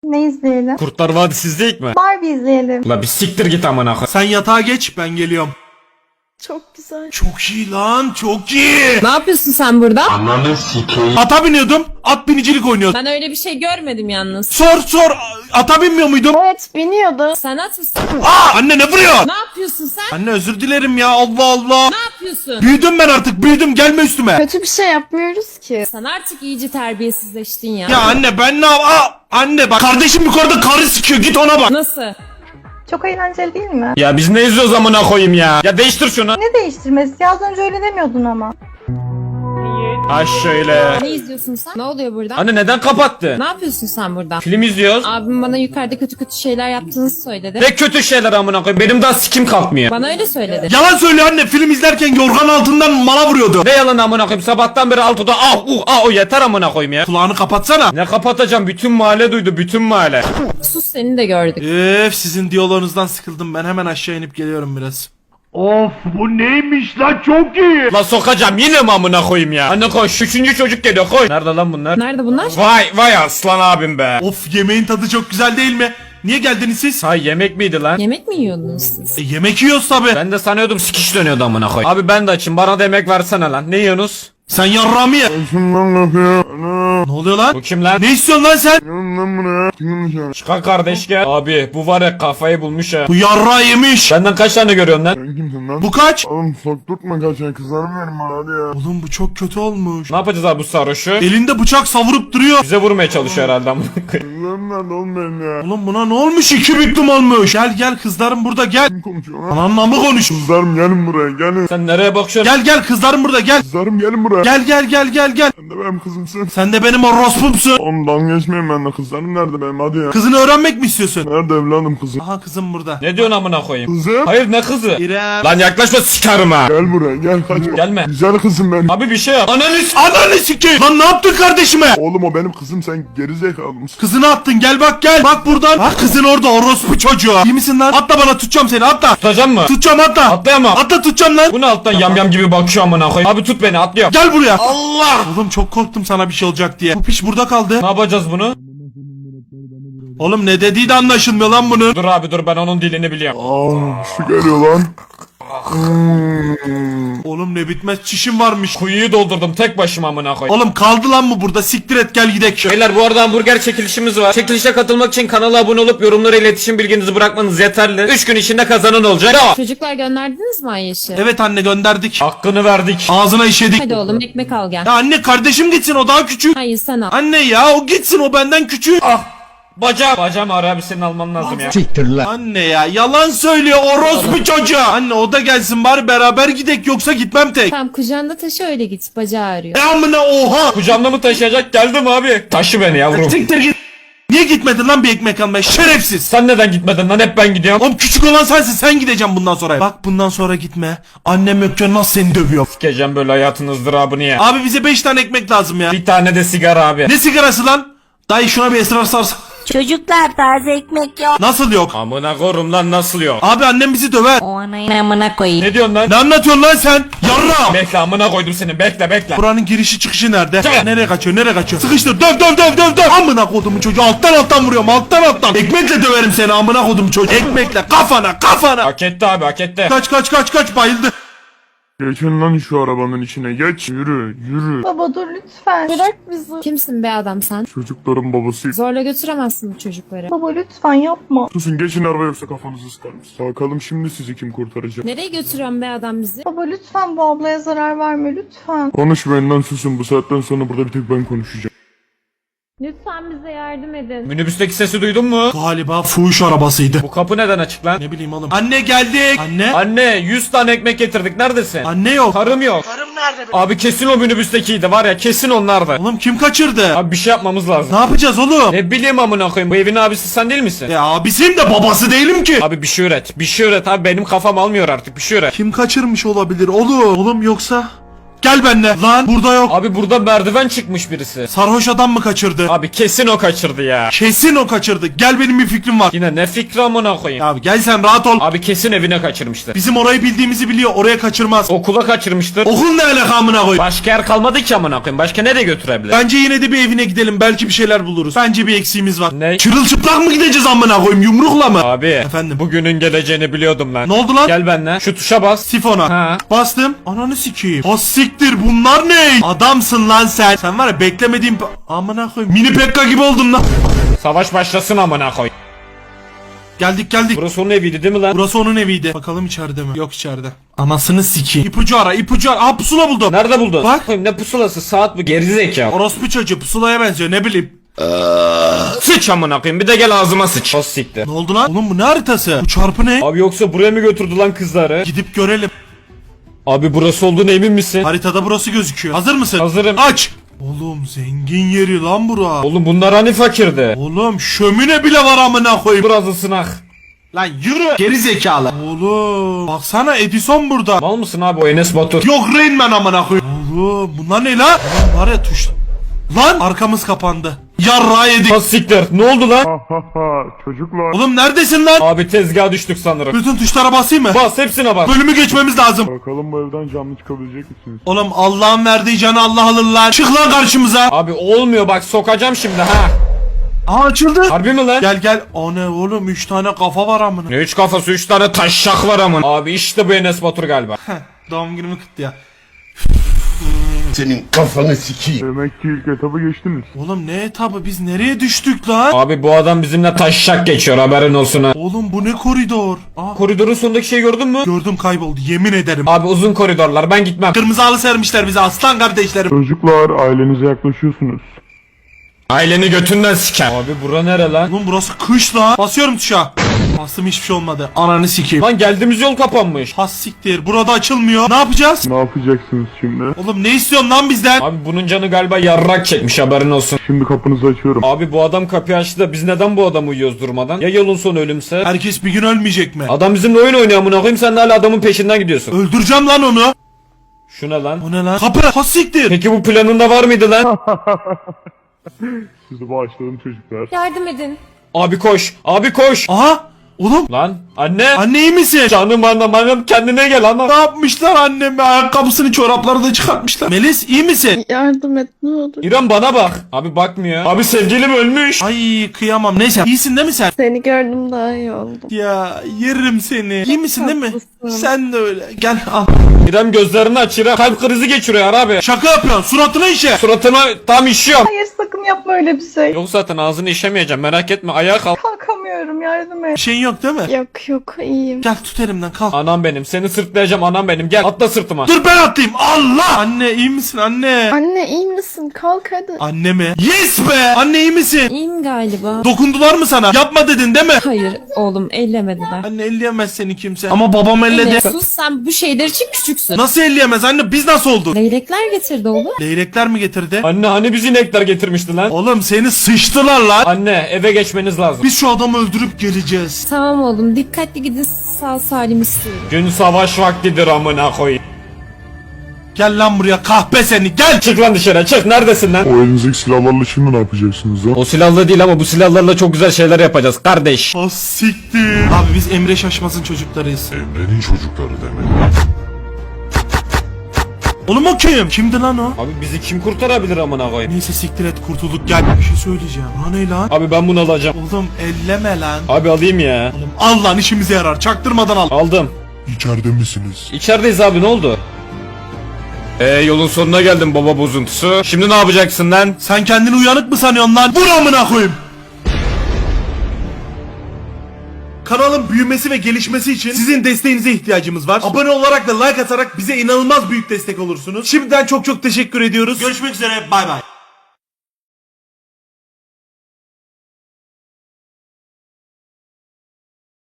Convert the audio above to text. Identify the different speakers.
Speaker 1: Ne izleyelim?
Speaker 2: Kurtlar Vadisi izleyik mi?
Speaker 1: Barbie izleyelim.
Speaker 2: La bir siktir git amına koy.
Speaker 3: Sen yatağa geç, ben geliyorum.
Speaker 1: Çok güzel.
Speaker 3: Çok iyi lan, çok iyi.
Speaker 4: Ne yapıyorsun sen burada?
Speaker 3: Ata biniyordum, at binicilik oynuyordum.
Speaker 4: Ben öyle bir şey görmedim yalnız.
Speaker 3: Sor, ata binmiyor muydum?
Speaker 1: Evet, biniyordu.
Speaker 4: Sen at mısın?
Speaker 3: Anne ne vuruyor?
Speaker 4: Ne yapıyorsun sen?
Speaker 3: Anne özür dilerim ya, Allah Allah.
Speaker 4: Ne yapıyorsun?
Speaker 3: Büyüdüm ben artık, büyüdüm, gelme üstüme.
Speaker 1: Kötü bir şey yapmıyoruz ki.
Speaker 4: Sen artık iyice terbiyesizleştin ya.
Speaker 3: Ya anne ben ne anne bak, kardeşim yukarıda karı sikiyor, git ona bak.
Speaker 4: Nasıl?
Speaker 1: Çok eğlenceli değil mi?
Speaker 2: Ya biz ne izliyoruz amına koyayım ya? Ya değiştir şunu.
Speaker 1: Ne değiştirmesi? Ya az önce öyle demiyordun ama.
Speaker 2: Ha şöyle.
Speaker 4: Ne izliyorsun sen? Ne oluyor burada?
Speaker 2: Anne neden kapattı?
Speaker 4: Ne yapıyorsun sen burada?
Speaker 2: Film izliyoruz.
Speaker 4: Abim bana yukarıda kötü kötü şeyler yaptığınızı söyledi.
Speaker 2: Ne kötü şeyler amına koyayım. Benim daha sikim kalkmıyor.
Speaker 4: Bana öyle söyledi.
Speaker 3: Yalan söylüyor anne, film izlerken yorgan altından mala vuruyordu.
Speaker 2: Ne yalan amına koyayım. Sabahtan beri altıda o yeter amına koyayım ya.
Speaker 3: Kulağını kapatsana.
Speaker 2: Ne kapatacağım? Bütün mahalle duydu. Bütün mahalle.
Speaker 4: Sus, seni de gördük.
Speaker 3: Sizin diyaloğunuzdan sıkıldım, ben hemen aşağı inip geliyorum biraz.
Speaker 5: Of bu neymiş lan, çok iyi.
Speaker 2: La sokacağım yine mi amına koyayım ya? Anne koş. Üçüncü çocuk geliyor koy. Nerede lan bunlar?
Speaker 4: Nerede bunlar?
Speaker 2: Vay aslan abim be.
Speaker 3: Of, yemeğin tadı çok güzel değil mi? Niye geldiniz siz?
Speaker 2: Hay yemek miydi lan?
Speaker 4: Yemek mi yiyordunuz siz?
Speaker 3: Yemek yiyoruz tabi.
Speaker 2: Ben de sanıyordum sikiş dönüyordu amına koy. Abi ben de açım. Bana da yemek versene lan. Ne yiyorsunuz?
Speaker 3: Sen yarrağımı ye. Ne oluyor lan?
Speaker 2: Bu kim lan?
Speaker 3: Ne istiyorsun lan sen?
Speaker 2: Çıkar kardeş gel. Abi bu var ya kafayı bulmuş ha.
Speaker 3: Bu yarrağı yemiş.
Speaker 2: Benden kaç tane görüyorsun lan?
Speaker 5: Kimsin lan?
Speaker 3: Bu kaç?
Speaker 5: Oğlum sokturtma kaçan kızlarım verin bana hadi ya.
Speaker 3: Oğlum bu çok kötü olmuş.
Speaker 2: Ne yapacağız abi bu sarhoşu?
Speaker 3: Elinde bıçak savurup duruyor.
Speaker 2: Bize vurmaya çalışıyor herhalde amına koyayım.
Speaker 5: Kızlarım nerede oğlum benim ya?
Speaker 3: Oğlum buna ne olmuş? 2 büklüm olmuş. Gel kızlarım burada gel.
Speaker 5: Kim konuşuyor lan?
Speaker 3: Ananla mı konuş?
Speaker 5: Kızlarım gelin buraya gelin.
Speaker 2: Sen nereye bakıyorsun?
Speaker 3: Gel kızlarım burada gel.
Speaker 5: Kızlarım gelin buraya.
Speaker 3: Gel.
Speaker 5: Sen de benim kızımsın.
Speaker 3: Sen de benim orospumsun.
Speaker 5: Oğlum dalga geçmeyin benimle, kızlarım nerede benim hadi ya.
Speaker 3: Kızını öğrenmek mi istiyorsun?
Speaker 5: Nerede evladım kızım?
Speaker 3: Aha kızım burada.
Speaker 2: Ne diyorsun amına koyayım?
Speaker 5: Kızım.
Speaker 2: Hayır ne kızı?
Speaker 3: İrem.
Speaker 2: Lan yaklaşma sikerim ha.
Speaker 5: Gel buraya gel kaçma.
Speaker 2: Gelme.
Speaker 5: Güzel kızım benim.
Speaker 2: Abi bir şey yap.
Speaker 3: Ananı sikeyim. Lan ne yaptın kardeşime?
Speaker 5: Oğlum o benim kızım, sen gerizekalı mısın?
Speaker 3: Kızını attın, gel bak gel. Bak buradan. Bak kızın orada, orospu çocuğu. İyi misin lan? Atla bana, tutacağım seni, atla.
Speaker 2: Tutacağım mı?
Speaker 3: Tutacağım, atla.
Speaker 2: Atlayamam.
Speaker 3: Atla, tutacağım lan.
Speaker 2: Bu ne alttan yamyam gibi bakıyor amına koyayım. Abi tut beni atlıyorum.
Speaker 3: Gel buraya. Allah. Oğlum çok korktum sana bir şey olacak diye. Bu piç burada kaldı.
Speaker 2: Ne yapacağız bunu?
Speaker 3: Oğlum ne dediği de anlaşılmıyor lan bunun.
Speaker 2: Dur abi dur ben onun dilini biliyorum.
Speaker 5: Aa şu geliyor lan.
Speaker 3: Oğlum ne bitmez çişim varmış.
Speaker 2: Kuyuyu doldurdum tek başıma amına koyayım.
Speaker 3: Oğlum kaldı lan mı burada? Siktir et, gel gidek.
Speaker 2: Beyler bu arada hamburger çekilişimiz var. Çekilişe katılmak için kanala abone olup yorumlara iletişim bilginizi bırakmanız yeterli. 3 gün içinde kazanan olacak. Bravo.
Speaker 4: Çocuklar gönderdiniz mi Ayşe?
Speaker 3: Evet anne, gönderdik.
Speaker 2: Hakkını verdik.
Speaker 3: Ağzına işedik.
Speaker 4: Hadi oğlum ekmek al gel.
Speaker 3: Ya anne, kardeşim gitsin, o daha küçük.
Speaker 4: Hayır sen al.
Speaker 3: Anne ya, o gitsin, o benden küçük.
Speaker 2: Bacağım. Bacağım ağrı abi senin alman lazım ya.
Speaker 3: Anne ya, yalan söylüyor orospu çocuğu. Anne o da gelsin bari, beraber gidek, yoksa gitmem tek.
Speaker 4: Tamam kucağında taşı öyle git. Bacağı ağrıyor.
Speaker 3: Amına oha.
Speaker 2: Kucağımda mı taşıyacak geldim abi. Taşı beni yavrum.
Speaker 3: Siktir git. Niye gitmedin lan bir ekmek almaya, şerefsiz.
Speaker 2: Sen neden gitmedin lan hep ben gidiyorum.
Speaker 3: Oğlum küçük olan sensin, sen gideceğim bundan sonra. Bak bundan sonra gitme. Annem yokken nasıl seni dövüyor.
Speaker 2: Sikeceğim böyle hayatın ızdırabını ya.
Speaker 3: Abi bize 5 tane ekmek lazım ya.
Speaker 2: Bir tane de sigara abi.
Speaker 3: Ne sigarası lan? Dayı şuna bir esrar sarsa.
Speaker 6: Çocuklar taze ekmek yok.
Speaker 3: Nasıl yok?
Speaker 2: Amına korum lan nasıl yok?
Speaker 3: Abi annem bizi döver.
Speaker 6: O anayın amına koyayım.
Speaker 2: Ne diyorsun lan?
Speaker 3: Ne anlatıyorsun lan sen? Yarra.
Speaker 2: Bekle amına koydum seni bekle.
Speaker 3: Buranın girişi çıkışı nerede?
Speaker 2: Gel.
Speaker 3: Nereye kaçıyor? Sıkıştır, döv. Amına kodumun çocuğu, alttan vuruyorum, alttan. Ekmekle döverim seni amına kodumun çocuğu. Ekmekle kafana.
Speaker 2: Hak etti abi hak etti.
Speaker 3: Kaç, bayıldı.
Speaker 5: Geçin lan şu arabanın içine geç. Yürü.
Speaker 1: Baba dur lütfen. Bırak bizi.
Speaker 4: Kimsin be adam sen?
Speaker 5: Çocukların babasıyım.
Speaker 4: Zorla götüremezsin bu çocukları.
Speaker 1: Baba lütfen yapma.
Speaker 5: Susun geçin araba yoksa kafanızı sıkarız. Bakalım şimdi sizi kim kurtaracak.
Speaker 4: Nereye götürüyorsun be adam bizi?
Speaker 1: Baba lütfen bu ablaya zarar verme lütfen.
Speaker 5: Konuşmayın lan, susun, bu saatten sonra burada bir tek ben konuşacağım.
Speaker 4: Lütfen bize yardım edin.
Speaker 2: Minibüsteki sesi duydun mu?
Speaker 3: Galiba fuhuş arabasıydı.
Speaker 2: Bu kapı neden açık lan?
Speaker 3: Ne bileyim oğlum. Anne geldik. Anne.
Speaker 2: Anne 100 tane ekmek getirdik neredesin?
Speaker 3: Anne yok.
Speaker 2: Karım yok. Karım nerede? Abi kesin o minibüstekiydi var ya kesin onlardı.
Speaker 3: Oğlum kim kaçırdı?
Speaker 2: Abi bir şey yapmamız lazım.
Speaker 3: Ne yapacağız oğlum?
Speaker 2: Ne bileyim amına koyayım bu evin abisi sen değil misin?
Speaker 3: Ya abisiyim de babası değilim ki.
Speaker 2: Abi bir şey üret. Bir şey üret abi benim kafam almıyor artık bir şey üret.
Speaker 3: Kim kaçırmış olabilir oğlum? Oğlum yoksa Gel benimle. Lan burada yok.
Speaker 2: Abi burada merdiven çıkmış birisi.
Speaker 3: Sarhoş adam mı kaçırdı?
Speaker 2: Abi kesin o kaçırdı ya.
Speaker 3: Kesin o kaçırdı. Gel benim bir fikrim var.
Speaker 2: Yine ne fikri amına koyayım.
Speaker 3: Abi gel sen rahat ol.
Speaker 2: Abi kesin evine kaçırmıştır.
Speaker 3: Bizim orayı bildiğimizi biliyor. Oraya kaçırmaz.
Speaker 2: Okula kaçırmıştır.
Speaker 3: Okul ne alaka amına koy.
Speaker 2: Başka yer kalmadı ki amına koyayım. Başka nereye götürebilir?
Speaker 3: Bence yine de bir evine gidelim. Belki bir şeyler buluruz. Bence bir eksiğimiz var.
Speaker 2: Ne?
Speaker 3: Çırılçıplak mı gideceğiz amına koyayım? Yumrukla mı?
Speaker 2: Abi.
Speaker 3: Efendim?
Speaker 2: Bugünün geleceğini biliyordum ben.
Speaker 3: Ne oldu lan?
Speaker 2: Gel benimle. Şu tuşa bas.
Speaker 3: Sifona.
Speaker 2: Ha.
Speaker 3: Bastım. Ananı sikeyim. Ha siktir bunlar ne? Adamsın lan sen. Sen var ya beklemediğim... Amına koyayım. Mini Pekka gibi oldum lan.
Speaker 2: Savaş başlasın amına koy.
Speaker 3: Geldik.
Speaker 2: Burası onun eviydi değil mi lan?
Speaker 3: Burası onun eviydi. Bakalım içeride mi? Yok içeride. Anasını sikeyim. İpucu ara. Aa pusula buldum.
Speaker 2: Nerede buldun?
Speaker 3: Bak.
Speaker 2: Koyayım, ne pusulası, saat bu, gerizekalı.
Speaker 3: Orospu çocuğu pusulaya benziyor ne bileyim.
Speaker 2: Sıç amına koyayım, bir de gel ağzıma sıç. O siktir.
Speaker 3: Ne oldu lan? Oğlum bu ne haritası? Bu çarpı ne?
Speaker 2: Abi yoksa buraya mı götürdü lan kızları?
Speaker 3: Gidip görelim.
Speaker 2: Abi burası olduğuna emin misin?
Speaker 3: Haritada burası gözüküyor. Hazır mısın?
Speaker 2: Hazırım.
Speaker 3: Aç. Oğlum zengin yeri lan bura.
Speaker 2: Oğlum bunlar hani fakirdi?
Speaker 3: Oğlum şömine bile var amına koyayım.
Speaker 2: Biraz ısınak.
Speaker 3: Lan yürü. Geri zekalı. Oğlum baksana Edison burada.
Speaker 2: Mal mısın abi, o Enes Batur?
Speaker 3: Yok Rain Man amına koyayım. Oğlum bunlar ne lan? Lan var ya tuş. Lan arkamız kapandı. Yarrağı yedik.
Speaker 2: Ha siktir, ne oldu lan?
Speaker 5: Ha ha ha çocuklar.
Speaker 3: Oğlum neredesin lan?
Speaker 2: Abi tezgaha düştük sanırım.
Speaker 3: Bütün tuşlara basayım mı?
Speaker 2: Bas, hepsine bas.
Speaker 3: Bölümü geçmemiz lazım.
Speaker 5: Bakalım bu evden canlı çıkabilecek misiniz?
Speaker 3: Oğlum Allah'ın verdiği canı Allah alır lan. Çık lan karşımıza.
Speaker 2: Abi olmuyor bak, sokacağım şimdi ha.
Speaker 3: Aa açıldı.
Speaker 2: Harbi mi lan?
Speaker 3: Gel. O ne oğlum 3 tane kafa var amına.
Speaker 2: Ne üç kafası, 3 tane taşşak var amın. Abi işte bu Enes Batur galiba.
Speaker 3: Doğum günümü kutlu ya.
Speaker 7: Senin kafanı sikeyim.
Speaker 5: Demek ki ilk etabı geçtiniz.
Speaker 3: Oğlum ne etabı biz nereye düştük lan?
Speaker 2: Abi bu adam bizimle taşşak geçiyor, haberin olsun ha.
Speaker 3: Oğlum bu ne koridor? Aa,
Speaker 2: Koridorun sonundaki şeyi gördün mü?
Speaker 3: gördüm kayboldu yemin ederim.
Speaker 2: Abi uzun koridorlar, ben gitmem.
Speaker 3: Kırmızı halı sermişler bize aslan kardeşlerim.
Speaker 5: Çocuklar ailenize yaklaşıyorsunuz.
Speaker 2: Aileni götünden siker. Abi bura nere lan?
Speaker 3: Oğlum burası kış lan. Basıyorum tuşa. Bastım hiçbir şey olmadı. Ananı sikeyim.
Speaker 2: Lan geldiğimiz yol kapanmış.
Speaker 3: Has siktir. Burada açılmıyor. Ne yapacağız?
Speaker 5: Ne yapacaksınız şimdi?
Speaker 3: Oğlum ne istiyorsun lan bizden?
Speaker 2: Abi bunun canı galiba yarrak çekmiş, haberin olsun.
Speaker 5: Şimdi kapınızı açıyorum.
Speaker 2: Abi bu adam kapıyı açtı da biz neden bu adamı uyuyoruz durmadan? Ya yolun sonu ölümse?
Speaker 3: Herkes bir gün ölmeyecek mi?
Speaker 2: Adam bizimle oyun oynuyor amına koyayım, sen de hala adamın peşinden gidiyorsun.
Speaker 3: Öldüreceğim lan onu.
Speaker 2: Şu ne lan?
Speaker 3: O ne lan? Kapı. Has siktir.
Speaker 2: Peki bu planında var mıydı lan?
Speaker 5: Sizi bağışladım çocuklar.
Speaker 4: Yardım edin.
Speaker 2: Abi koş. Abi koş.
Speaker 3: Aha. Oğlum.
Speaker 2: Lan anne.
Speaker 3: Anne iyi misin?
Speaker 2: Canım anam kendine gel anam.
Speaker 3: Ne yapmışlar anneme? Ayakkabısını çorapları da çıkartmışlar. Melis iyi misin?
Speaker 1: Yardım et ne olur.
Speaker 2: İrem bana bak. Abi bakmıyor. Abi sevgilim ölmüş.
Speaker 3: Ay kıyamam. Neyse iyisin değil mi sen?
Speaker 1: Seni gördüm daha iyi oldum.
Speaker 3: Ya yerim seni. İyi misin değil mi?
Speaker 1: Haklısın.
Speaker 3: Sen de öyle. Gel al.
Speaker 2: İrem gözlerini aç İrem. Kalp krizi geçiriyor abi.
Speaker 3: Şaka yapıyorsun. Suratına işe.
Speaker 2: Suratına tam işiyorum.
Speaker 1: Hayır sakın yapma öyle bir şey.
Speaker 2: Yok zaten ağzını işemeyeceğim, merak etme, ayağa kalk.
Speaker 1: Kalkamıyorum yardım et.
Speaker 3: Bir şeyin yok değil mi?
Speaker 1: Yok iyiyim.
Speaker 3: Gel tut elimden kalk.
Speaker 2: Anam benim, seni sırtlayacağım anam benim, gel atla sırtıma.
Speaker 3: Dur ben atlayayım. Allah. Anne iyi misin anne?
Speaker 1: Anne iyi misin? Kalk hadi.
Speaker 3: Anne mi? Yes be. Anne iyi misin?
Speaker 4: İyiyim galiba.
Speaker 3: Dokundular mı sana? Yapma dedin değil mi?
Speaker 4: Hayır oğlum, ellemediler.
Speaker 3: Anne elleyemez seni kimse. Ama babam elledi.
Speaker 4: Enes, sus, sen bu şeyler için küçüksün.
Speaker 3: Nasıl elleyemez anne? Biz nasıl olduk?
Speaker 4: Leylekler getirdi oğlum.
Speaker 3: Leylekler mi getirdi?
Speaker 2: Anne hani bizi inekler getirmişti lan.
Speaker 3: Oğlum seni sıçtılar lan.
Speaker 2: Anne eve geçmeniz lazım.
Speaker 3: Biz şu adamı öldürüp geleceğiz.
Speaker 4: Tamam oğlum, dikkatli gidin, sağ salim istiyorum.
Speaker 2: Gün savaş vaktidir amına koyayım.
Speaker 3: Gel lan buraya kahpe seni gel.
Speaker 2: Çık lan dışarı, çık, neredesin lan?
Speaker 5: O elinizdeki silahlarla şimdi ne yapacaksınız lan?
Speaker 2: O silahlı değil ama bu silahlarla çok güzel şeyler yapacağız kardeş.
Speaker 3: Ha siktir. Abi biz Emre Şaşmaz'ın çocuklarıyız.
Speaker 7: Emre'nin çocukları demek.
Speaker 3: Oğlum o kim? Kimdi lan o?
Speaker 2: Abi bizi kim kurtarabilir amına koyayım?
Speaker 3: Neyse siktir et kurtulduk gel. Bir şey söyleyeceğim. Ha ne lan?
Speaker 2: Abi ben bunu alacağım.
Speaker 3: Oğlum elleme lan.
Speaker 2: Abi alayım ya.
Speaker 3: Oğlum al lan işimize yarar. Çaktırmadan al.
Speaker 2: Aldım.
Speaker 5: İçeride misiniz?
Speaker 2: İçerideyiz abi, ne oldu? Yolun sonuna geldim baba bozuntusu. Şimdi ne yapacaksın lan?
Speaker 3: Sen kendini uyanık mı sanıyorsun lan? Vur amına koyayım. Kanalın büyümesi ve gelişmesi için sizin desteğinize ihtiyacımız var. Abone olarak ve like atarak bize inanılmaz büyük destek olursunuz. Şimdiden çok teşekkür ediyoruz. Görüşmek üzere. Bay bay.